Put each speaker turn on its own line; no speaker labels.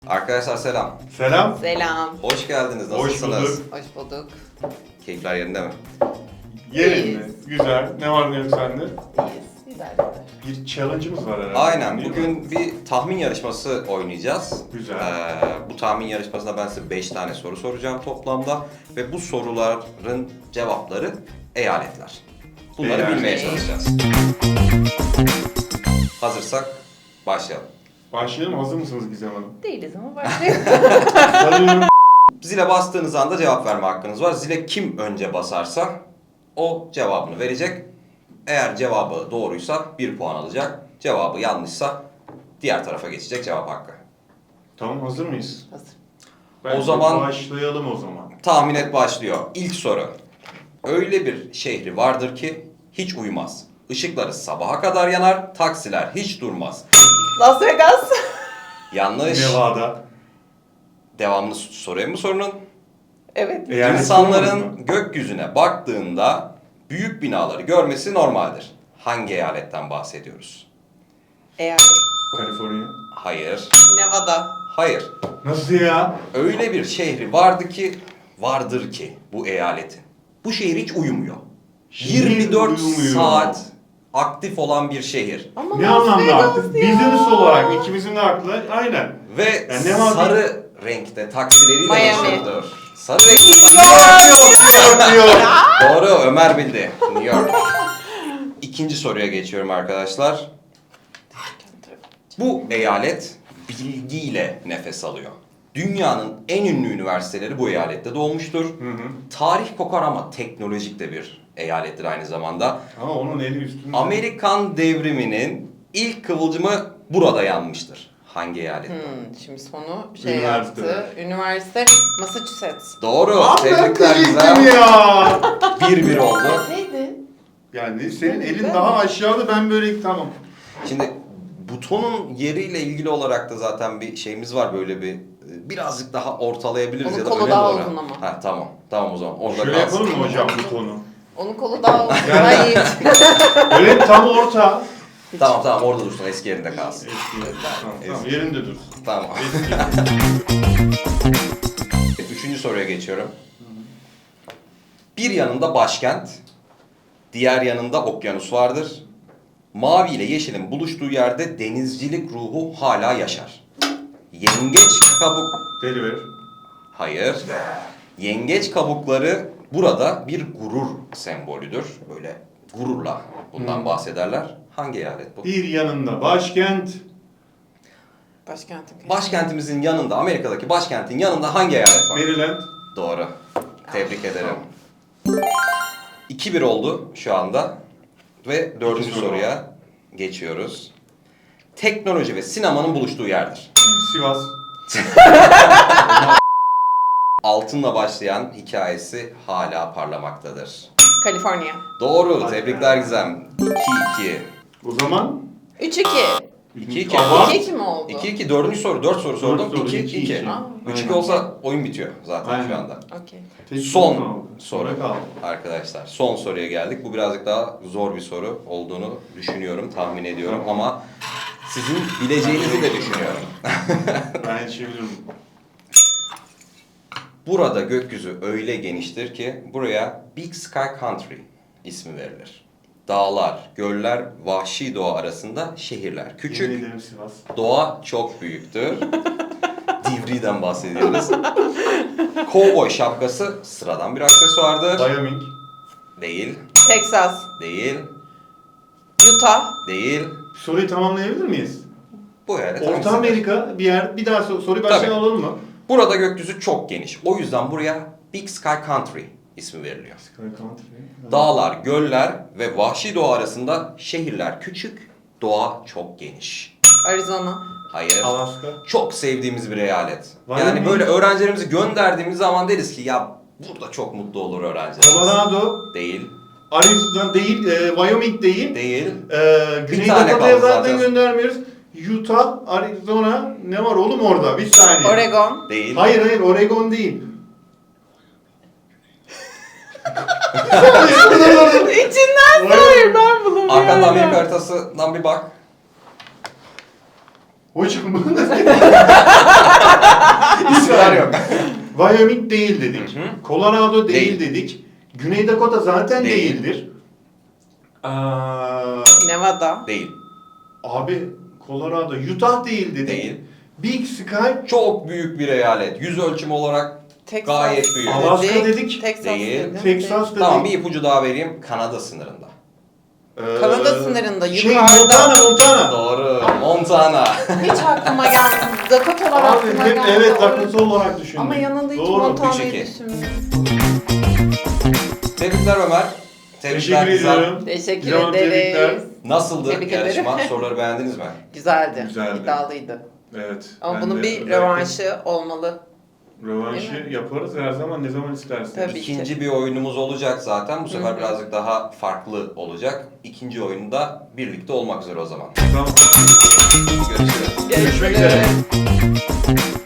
Arkadaşlar selam.
Selam.
Selam.
Hoş geldiniz.
Hoş
Nasılsınız?
bulduk.
Hoş bulduk.
Keyifler yerinde mi?
Yerinde. Güzel. Ne var ne yok sende?
İyiyiz. Güzel güzel.
Bir challenge'ımız var herhalde.
Aynen.
değil mi?
Bugün bir tahmin yarışması oynayacağız.
Güzel.
Bu tahmin yarışmasında ben size 5 tane soru soracağım toplamda. Ve bu soruların cevapları eyaletler. Bunları
Eyalet.
bilmeye çalışacağız. Hazırsak başlayalım.
Başlayalım. Hazır mısınız Gizem Hanım?
Değiliz ama başlayalım.
Sanıyorum.
Zile bastığınız anda cevap verme hakkınız var. Zile kim önce basarsa o cevabını verecek. Eğer cevabı doğruysa 1 puan alacak. Cevabı yanlışsa diğer tarafa geçecek cevap hakkı.
Tamam, hazır mıyız?
Hazır.
Bence
zaman-
başlayalım o zaman.
Tahmin et başlıyor. İlk soru. Öyle bir şehri vardır ki hiç uyumaz. Işıkları sabaha kadar yanar, taksiler hiç durmaz.
Las Vegas.
Yanlış.
Nevada.
Devamını sorayım mı sorunun?
Evet.
Eyalet
İnsanların
sormadı mı?
gökyüzüne baktığında büyük binaları görmesi normaldir. Hangi eyaletten bahsediyoruz?
Eyalet.
Kaliforniya.
Hayır.
Nevada.
Hayır.
Nasıl ya?
Öyle bir şehri vardır ki bu eyaletin. Bu şehir hiç uyumuyor.
Şehir
24
uyumuyor.
saat aktif olan bir şehir.
Ama
Ne
Las
anlamda
Vegas
artık?
ya.
Business olarak ikimizin de aklı aynen.
Ve
Yani ne var
sarı renkte taksileriyle
Miami.
meşhurdur. Sarı renkte
Yok.
Doğru, Ömer bildi. New York. İkinci soruya geçiyorum arkadaşlar. Bu eyalet bilgiyle nefes alıyor. Dünyanın en ünlü üniversiteleri bu eyalette doğmuştur.
Hı hı.
Tarih kokar ama teknolojik de bir eyalettir aynı zamanda.
Ama onun eli üstünde.
Amerikan devriminin ilk kıvılcımı burada yanmıştır. Hangi eyalet?
Şimdi sonu şey
Üniversite.
yaptı. Üniversite Massachusetts.
Doğru.
Abi ben
Tebrikler
diyecektim
güzel.
ya.
1-1 oldu.
Neydi?
Yani senin elin daha aşağıda, ben böyle tamam.
Şimdi butonun yeriyle ilgili olarak da zaten bir şeyimiz var, böyle bir birazcık daha ortalayabiliriz
Onun
ya da
kolu
öne
daha
doğru.
uzun ama.
Ha tamam. Tamam o zaman orada
Şöyle
kalsın.
yapalım mı hocam butonu?
Onun kolu daha uzun.
Yani-
Hayır.
Öyle tam orta.
Tamam tamam orada dursun, eski yerinde kalsın.
Tamam, yerinde dursun.
Tamam.
Eski.
Üçüncü soruya geçiyorum. Bir yanında başkent, diğer yanında okyanus vardır. Mavi ile yeşilin buluştuğu yerde denizcilik ruhu hala yaşar. Yengeç kabuk...
Deliver.
Hayır. Yengeç kabukları burada bir gurur sembolüdür. Böyle gururla bundan bahsederler. Hangi eyalet bu?
Bir yanında başkent.
Başkentim.
Başkentimizin yanında, Amerika'daki başkentin yanında hangi eyalet var?
Maryland.
Doğru. Tebrik ederim. 2-1 oldu şu anda. Ve dördüncü
İki soru
soruya geçiyoruz. Teknoloji ve sinemanın buluştuğu yerdir.
Sivas.
Altınla başlayan hikayesi hala parlamaktadır.
Kaliforniya.
Doğru.
Hadi
Tebrikler
be.
Gizem. 2-2.
O zaman
3-2.
2-2.
Ama
2-2 mi oldu?
2-2. Dördüncü soru. 4 soru sordum.
soru,
2-2.
2-2.
3-2
Aynen.
olsa oyun bitiyor zaten
Aynen.
şu anda.
Okey.
tek
Son
kaldı.
soru
kaldı.
arkadaşlar. Son soruya geldik. Bu birazcık daha zor bir soru olduğunu düşünüyorum, tahmin ediyorum ama sizin bileceğinizi de düşünüyorum.
Ben yetişebilirim.
Burada gökyüzü öyle geniştir ki buraya Big Sky Country ismi verilir. Dağlar, göller, vahşi doğa arasında şehirler.
Yemin
Küçük,
ederim Sivas.
doğa çok büyüktür. Divri'den bahsediyoruz. Kovboy şapkası sıradan bir aksesuardır.
Wyoming.
Değil,
Texas.
değil,
Utah.
değil.
Soruyu tamamlayabilir miyiz?
Bu eyalet
Orta
hangisidir?
Amerika bir yer. Bir daha soruyu baştan
Tabii.
alalım mı?
Burada gökyüzü çok geniş. O yüzden buraya Big Sky Country ismi veriliyor.
Sky Country.
Dağlar, göller ve vahşi doğa arasında şehirler küçük, doğa çok geniş.
Arizona.
Hayır.
Alaska.
Çok sevdiğimiz bir eyalet.
Wyoming.
Yani böyle öğrencilerimizi gönderdiğimiz zaman deriz ki ya burada çok mutlu olur öğrencilerimiz.
Colorado.
Değil,
Arizona değil. Wyoming değil.
değil.
Güney
tane
Dakota'ya
kaldı
zaten
zaten.
göndermiyoruz. Utah, Arizona. Ne var oğlum orada? Bir saniye.
Oregon.
Değil.
Hayır Oregon değil.
İçinden sayır, ben bulamıyorum.
Arkanda Amerika haritasından bir bak.
Hocam bunu da
İsimler yok.
Wyoming değil dedik.
Hı hı.
Colorado değil,
Değil.
dedik. Güney Dakota zaten
Değil.
değildir.
Nevada.
Değil.
Abi Colorado, Utah değil dedik.
Değil.
Big Sky,
Çok büyük bir eyalet. Yüz ölçümü olarak
Texas.
gayet büyük.
Alaska dedik.
Texas
Değil.
dedim.
Texas dedik.
Tamam, bir ipucu daha vereyim. Kanada sınırında.
Kanada sınırında,
Şey,
yukarıda.
Montana.
Doğru. Montana.
Hiç aklıma gelmedi. Dakotalar
Abi
aklıma
hep
geldi.
evet Dakota olarak düşündüm.
Ama yanında hiç
Doğru.
Montana'yı
3-2.
düşünmüyorum.
Tebrikler Ömer. Tebrikler
Teşekkür
Gizem.
ediyorum.
Teşekkür
Güzel,
ederiz.
tebrikler.
Nasıldı
Tebrik
yarışma?
ederim.
Soruları beğendiniz mi?
Güzeldi.
Güzeldi.
İddialıydı.
Evet.
Ama
ben
bunun
de
bir
özellikle
rövanşı olmalı.
Rövanşı
Değil mi?
yaparız her zaman, ne zaman isterseniz.
Tabii.
İkinci bir oyunumuz olacak zaten. Bu sefer
Hı hı.
birazcık daha farklı olacak. İkinci oyunda birlikte olmak üzere o zaman.
Tamam.
Görüşürüz.
Görüşmek üzere.